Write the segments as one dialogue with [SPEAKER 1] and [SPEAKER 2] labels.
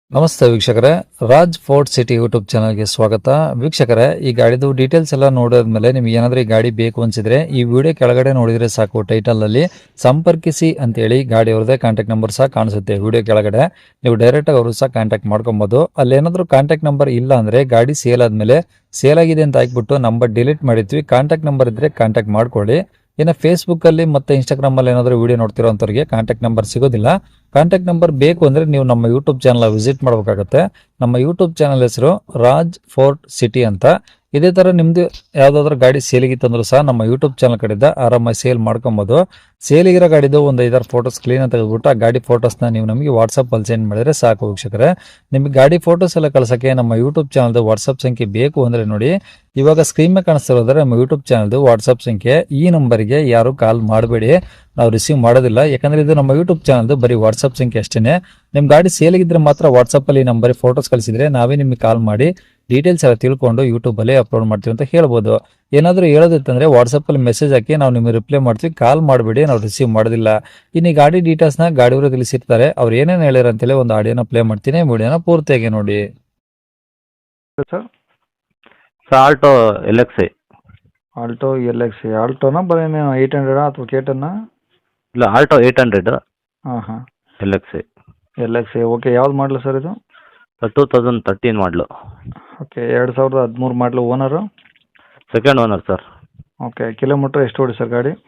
[SPEAKER 1] ನಮಸ್ತೆ ವೀಕ್ಷಕರೇ, Raj fort city YouTube ಚಾನಲ್ಗೆ ಸ್ವಾಗತ. ವೀಕ್ಷಕರೇ, ಈ ಗಾಡಿದು ಡೀಟೇಲ್ಸ್ ಎಲ್ಲ ನೋಡಿದ್ಮೇಲೆ ನಿಮ್ಗೆ ಏನಾದರೂ ಈ ಗಾಡಿ ಬೇಕು ಅನ್ಸಿದ್ರೆ ಈ ವಿಡಿಯೋ ಕೆಳಗಡೆ ನೋಡಿದ್ರೆ ಸಾಕು, ಟೈಟಲ್ ಅಲ್ಲಿ ಸಂಪರ್ಕಿಸಿ ಅಂತೇಳಿ ಗಾಡಿ ಅವ್ರದೇ ಕಾಂಟ್ಯಾಕ್ಟ್ ನಂಬರ್ ಸಹ ಕಾಣಿಸುತ್ತೆ. ವಿಡಿಯೋ ಕೆಳಗಡೆ ನೀವು ಡೈರೆಕ್ಟ್ ಆಗಿ ಅವರು ಸಹ ಕಾಂಟ್ಯಾಕ್ಟ್ ಮಾಡ್ಕೊಬಹುದು. ಅಲ್ಲಿ ಏನಾದರೂ ಕಾಂಟ್ಯಾಕ್ಟ್ ನಂಬರ್ ಇಲ್ಲ ಅಂದ್ರೆ ಗಾಡಿ ಸೇಲ್ ಆದ್ಮೇಲೆ ಸೇಲ್ ಆಗಿದೆ ಅಂತ ಹಾಕ್ಬಿಟ್ಟು ನಂಬರ್ ಡಿಲೀಟ್ ಮಾಡಿದ್ವಿ. ಕಾಂಟ್ಯಾಕ್ಟ್ ನಂಬರ್ ಇದ್ರೆ ಕಾಂಟ್ಯಾಕ್ಟ್ ಮಾಡ್ಕೊಳ್ಳಿ. ಇನ್ನು ಫೇಸ್ಬುಕ್ ಅಲ್ಲಿ ಮತ್ತೆ ಇನ್ಸ್ಟಾಗ್ರಾಮ್ ಅಲ್ಲಿ ಏನಾದರೂ ವಿಡಿಯೋ ನೋಡ್ತಿರೋಂಥವ್ರಿಗೆ ಕಾಂಟ್ಯಾಕ್ಟ್ ನಂಬರ್ ಸಿಗೋದಿಲ್ಲ. ಕಾಂಟ್ಯಾಕ್ಟ್ ನಂಬರ್ ಬೇಕು ಅಂದ್ರೆ ನೀವು ನಮ್ಮ ಯೂಟ್ಯೂಬ್ ಚಾನಲ್ ವಿಸಿಟ್ ಮಾಡಬೇಕಾಗುತ್ತೆ. ನಮ್ಮ ಯೂಟ್ಯೂಬ್ ಚಾನಲ್ ಹೆಸರು ರಾಜ್ ಫೋರ್ಟ್ ಸಿಟಿ ಅಂತ. ಇದೇ ತರ ನಿಮ್ದು ಯಾವ್ದಾದ್ರು ಗಾಡಿ ಸೇಲಿಗಿತ್ತಂದ್ರೂ ಸಹ ನಮ್ಮ ಯೂಟ್ಯೂಬ್ ಚಾನಲ್ ಕಡೆಯಿಂದ ಆರಾಮಾಗಿ ಸೇಲ್ ಮಾಡ್ಕೊಬಹುದು. ಸೇಲಿಗಿರೋ ಗಾಡಿದು ಒಂದು 5-6 ಫೋಟೋಸ್ ಕ್ಲೀನ್ ಆಗಿ ತೆಗೆದುಬಿಟ್ಟು ಆ ಗಾಡಿ ಫೋಟೋಸ್ನ ನೀವು ನಮಗೆ ವಾಟ್ಸಪ್ ಅಲ್ಲಿ ಸೆಂಡ್ ಮಾಡಿದ್ರೆ ಸಾಕು ವೀಕ್ಷಕರೇ. ನಿಮಗೆ ಗಾಡಿ ಫೋಟೋಸ್ ಎಲ್ಲ ಕಳ್ಸಕ್ಕೆ ನಮ್ಮ ಯೂಟ್ಯೂಬ್ ಚಾನಲ್ದು ವಾಟ್ಸಪ್ ಸಂಖ್ಯೆ ಬೇಕು ಅಂದ್ರೆ ನೋಡಿ, ಇವಾಗ ಸ್ಕ್ರೀನ್ ಮೇಲೆ ಕಾಣಿಸ್ತಿರೋದ್ರೆ ನಮ್ಮ ಯೂಟ್ಯೂಬ್ ಚಾನಲ್ದು ವಾಟ್ಸಪ್ ಸಂಖ್ಯೆ. ಈ ನಂಬರ್ಗೆ ಯಾರು ಕಾಲ್ ಮಾಡಬೇಡಿ, ನಾವು ರಿಸೀವ್ ಮಾಡೋದಿಲ್ಲ. ಯಾಕಂದ್ರೆ ಇದು ನಮ್ಮ ಯೂಟ್ಯೂಬ್ ಚಾನಲ್ದು ಬರೀ ವಾಟ್ಸಪ್ ಸಂಖ್ಯೆ ಅಷ್ಟೇನೆ. ನಿಮ್ ಗಾಡಿ ಸೇಲಿಗಿದ್ರೆ ಮಾತ್ರ ವಾಟ್ಸಪ್ ಅಲ್ಲಿ ನಂಬರ್ ಫೋಟೋಸ್ ಕಳಿಸಿದ್ರೆ ನಾವೇ ನಿಮಗೆ ಕಾಲ್ ಮಾಡಿ ಡೀಟೇಲ್ಸ್ ಎಲ್ಲ ತಿಳ್ಕೊಂಡು ಯೂಟ್ಯೂಬ್ ಅಲ್ಲಿ ಅಪ್ಲೋಡ್ ಮಾಡ್ತೀವಿ ಅಂತ ಹೇಳ್ಬೋದು. ಏನಾದರೂ ಹೇಳೋದಿತ್ತಂದ್ರೆ ವಾಟ್ಸಪ್ ಅಲ್ಲಿ ಮೆಸೇಜ್ ಹಾಕಿ ನಾವು ನಿಮಗೆ ರಿಪ್ಲೈ ಮಾಡ್ತೀವಿ. ಕಾಲ್ ಮಾಡಬೇಡಿ, ನಾವು ರಿಸೀವ್ ಮಾಡೋದಿಲ್ಲ. ಇನ್ನು ಈ ಗಾಡಿ ಡೀಟೇಲ್ಸ್ನ ಗಾಡಿಯವರು ತಿಳಿಸಿರ್ತಾರೆ, ಅವ್ರು ಏನೇನು ಹೇಳ್ಯಾರ ಅಂತೇಳಿ ಒಂದು ಆಡಿಯೋನ ಪ್ಲೇ ಮಾಡ್ತೀನಿ, ವಿಡಿಯೋನ ಪೂರ್ತಿಯಾಗಿ ನೋಡಿ.
[SPEAKER 2] Sir
[SPEAKER 3] sir Alto L X I.
[SPEAKER 2] Alto L X ಆಲ್ಟೋನಾ ಬರೀ 800 ಅಥವಾ ಕೇಟನ್ನ?
[SPEAKER 3] ಇಲ್ಲ, ಆಲ್ಟೋ 800
[SPEAKER 2] ಹಾಂ ಹಾಂ,
[SPEAKER 3] L X I.
[SPEAKER 2] L X okay. ಯಾವ್ದು ಮಾಡಲು ಸರ್ ಇದು?
[SPEAKER 3] 2013 ಮಾಡಲು.
[SPEAKER 2] ಓಕೆ, 2013 ಮಾಡಲು. Owner?
[SPEAKER 3] Second owner sir.
[SPEAKER 2] Okay, kilometre ಎಷ್ಟು ಓಡಿ ಸರ್ ಗಾಡಿ?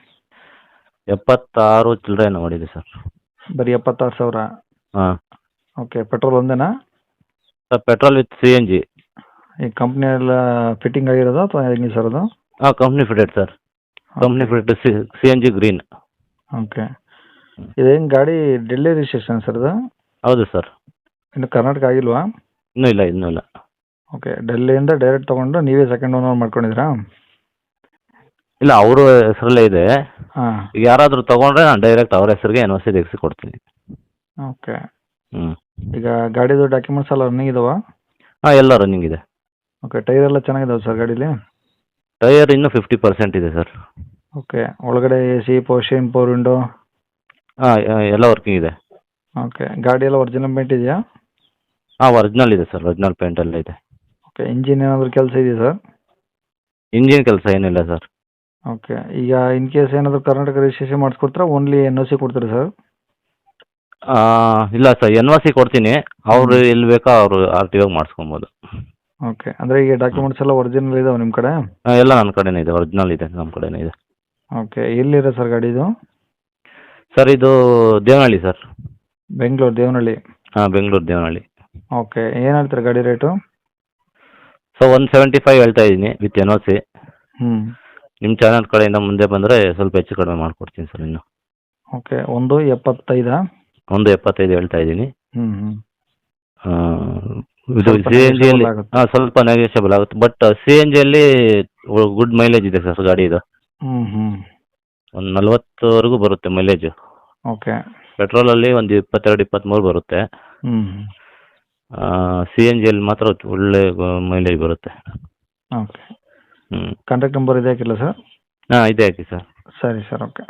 [SPEAKER 3] 76 ಚಿಲ್ಲರೆಯನ್ನು ಮಾಡಿದೆ ಸರ್.
[SPEAKER 2] ಬರೀ 76,000?
[SPEAKER 3] ಹಾಂ
[SPEAKER 2] ಓಕೆ, ಪೆಟ್ರೋಲ್ ಒಂದೇನಾ?
[SPEAKER 3] Sir, petrol with C N G.
[SPEAKER 2] ಈ ಕಂಪ್ನಿ ಎಲ್ಲ ಫಿಟ್ಟಿಂಗ್ ಆಗಿರೋದು ಅಥವಾ ಹೆಂಗೆ ಸರ್ ಅದು?
[SPEAKER 3] ಹಾಂ, company fitted sir. Company fitted C N G green.
[SPEAKER 2] Okay, ಇದೇನು ಗಾಡಿ ಡೆಲ್ಲಿ ರಿಜಿಸ್ಟ್ರೇಷನ್ ಸರ್ ಇದು?
[SPEAKER 3] ಹೌದು ಸರ್.
[SPEAKER 2] ಇನ್ನು ಕರ್ನಾಟಕ ಆಗಿಲ್ವಾ?
[SPEAKER 3] ಇನ್ನೂ ಇಲ್ಲ.
[SPEAKER 2] ಓಕೆ, ಡೆಲ್ಲಿಯಿಂದ ಡೈರೆಕ್ಟ್ ತೊಗೊಂಡು ನೀವೇ ಸೆಕೆಂಡ್ ಓನರ್ ಮಾಡ್ಕೊಂಡಿದ್ದೀರಾ?
[SPEAKER 3] ಇಲ್ಲ, ಅವರು ಹೆಸರಲ್ಲೇ ಇದೆ.
[SPEAKER 2] ಹಾಂ,
[SPEAKER 3] ಈಗ ಯಾರಾದರೂ ತೊಗೊಂಡ್ರೆ ನಾನು ಡೈರೆಕ್ಟ್ ಅವ್ರ ಹೆಸರಿಗೆ ಎನ್ ಒ ಸಿ ತೆಗೆಸಿ ಕೊಡ್ತೀನಿ.
[SPEAKER 2] ಓಕೆ.
[SPEAKER 3] ಹ್ಞೂ.
[SPEAKER 2] ಈಗ ಗಾಡಿದು ಡಾಕ್ಯುಮೆಂಟ್ಸ್ ಎಲ್ಲ ರನ್ನಿಂಗ್ ಇದಾವಾ?
[SPEAKER 3] ಹಾಂ, ಎಲ್ಲ ರನ್ನಿಂಗ್ ಇದೆ.
[SPEAKER 2] ಓಕೆ, ಟೈರ್ ಎಲ್ಲ ಚೆನ್ನಾಗಿದಾವೆ ಸರ್ ಗಾಡೀಲಿ?
[SPEAKER 3] ಟೈರ್ ಇನ್ನೂ 50% ಇದೆ ಸರ್.
[SPEAKER 2] ಓಕೆ, ಒಳಗಡೆ ಎ ಸಿ, ಪವರ್ ವಿಂಡೋ?
[SPEAKER 3] ಹಾಂ, ಎಲ್ಲ ವರ್ಕಿಂಗ್ ಇದೆ.
[SPEAKER 2] ಓಕೆ, ಗಾಡಿ ಎಲ್ಲ ಒರಿಜಿನಲ್ ಪೇಂಟ್ ಇದೆಯಾ?
[SPEAKER 3] ಹಾಂ, ಒರಿಜಿನಲ್ ಇದೆ ಸರ್. ಒರಿಜಿನಲ್ ಪೇಂಟ್ ಎಲ್ಲ ಇದೆ.
[SPEAKER 2] ಓಕೆ, ಇಂಜಿನ್ ಏನಾದರೂ ಕೆಲಸ ಇದೆಯಾ ಸರ್?
[SPEAKER 3] ಇಂಜಿನ್ ಕೆಲಸ ಏನಿಲ್ಲ ಸರ್.
[SPEAKER 2] ಓಕೆ, ಈಗ ಇನ್ ಕೇಸ್ ಏನಾದರೂ ಕರ್ನಾಟಕ ರಿಜಿಸ್ಟ್ರೇಷನ್ ಮಾಡಿಸ್ಕೊಡ್ತೀರಾ, ಓನ್ಲಿ ಎನ್ ಒ ಸಿ ಕೊಡ್ತೀರಾ ಸರ್?
[SPEAKER 3] ಇಲ್ಲ ಸರ್, ಎನ್ ಒ ಸಿ ಕೊಡ್ತೀನಿ. ಅವರು ಎಲ್ಲಿ ಬೇಕೋ ಅವರು ಆರ್ ಟಿ ಒಗೆ ಮಾಡಿಸ್ಕೊಬೋದು.
[SPEAKER 2] ಓಕೆ, ಅಂದರೆ ಈಗ ಡಾಕ್ಯುಮೆಂಟ್ಸ್ ಎಲ್ಲ ಒರಿಜಿನಲ್ ಇದಾವೆ ನಿಮ್ಮ ಕಡೆ?
[SPEAKER 3] ಎಲ್ಲ ನನ್ನ ಕಡೆನೇ ಇದೆ, ಒರಿಜಿನಲ್ ಇದೆ, ನಮ್ಮ ಕಡೆನೇ ಇದೆ.
[SPEAKER 2] ಓಕೆ, ಎಲ್ಲಿದೆ ಸರ್ ಗಾಡಿ ಇದು?
[SPEAKER 3] ಸರ್, ಇದು ದೇವನಹಳ್ಳಿ ಸರ್.
[SPEAKER 2] ಬೆಂಗಳೂರು ದೇವನಹಳ್ಳಿ?
[SPEAKER 3] ಹಾಂ, ಬೆಂಗಳೂರು ದೇವನಹಳ್ಳಿ.
[SPEAKER 2] ಓಕೆ, ಏನು ಹೇಳ್ತೀರಾ ಗಾಡಿ ರೇಟು?
[SPEAKER 3] ಸೊ 175 ಹೇಳ್ತಾ ಇದ್ದೀನಿ ವಿತ್ ಎನ್ ಒ ಸಿ.
[SPEAKER 2] ಹ್ಞೂ.
[SPEAKER 3] ನಿಮ್ಮ ಚಾನಲ್ ಕಡೆಯಿಂದ ಮುಂದೆ ಬಂದರೆ ಸ್ವಲ್ಪ ಹೆಚ್ಚು ಕಡಿಮೆ ಮಾಡಿಕೊಡ್ತೀನಿ ಸರ್ ಇನ್ನು.
[SPEAKER 2] ಓಕೆ, 1.75?
[SPEAKER 3] 1.75 ಹೇಳ್ತಾ ಇದ್ದೀನಿ.
[SPEAKER 2] ಹ್ಞೂ ಹ್ಞೂ.
[SPEAKER 3] ಇದು
[SPEAKER 2] ಸ್ವಲ್ಪ
[SPEAKER 3] ಸಿ ಎನ್ ಜಿಯಲ್ಲಿ
[SPEAKER 2] negotiable ಆಗುತ್ತೆ.
[SPEAKER 3] ಹಾಂ, ಸ್ವಲ್ಪ ನೆಗೋಷಿಯಬಲ್ ಆಗುತ್ತೆ. ಬಟ್ ಸಿ ಎನ್ ಜಿಯಲ್ಲಿ ಗುಡ್ ಮೈಲೇಜ್ ಇದೆ ಸರ್ ಗಾಡಿ ಇದು.
[SPEAKER 2] ಹ್ಞೂ ಹ್ಞೂ.
[SPEAKER 3] ಒಂದು 40ವರೆಗೂ ಬರುತ್ತೆ ಮೈಲೇಜು.
[SPEAKER 2] ಓಕೆ.
[SPEAKER 3] ಪೆಟ್ರೋಲಲ್ಲಿ ಒಂದು 22-23 ಬರುತ್ತೆ.
[SPEAKER 2] ಹ್ಞೂ.
[SPEAKER 3] ಸಿ ಎನ್ ಜಿಯಲ್ಲಿ ಮಾತ್ರ ಒಳ್ಳೆ ಮೈಲೇಜ್ ಬರುತ್ತೆ.
[SPEAKER 2] ಓಕೆ,
[SPEAKER 3] ಹ್ಞೂ.
[SPEAKER 2] ಕಾಂಟ್ಯಾಕ್ಟ್ ನಂಬರ್ ಇದೆ ಹಾಕಿಲ್ಲ ಸರ್?
[SPEAKER 3] ಹಾಂ, ಇದೆ ಹಾಕಿ ಸರ್.
[SPEAKER 2] ಸರಿ ಸರ್, ಓಕೆ.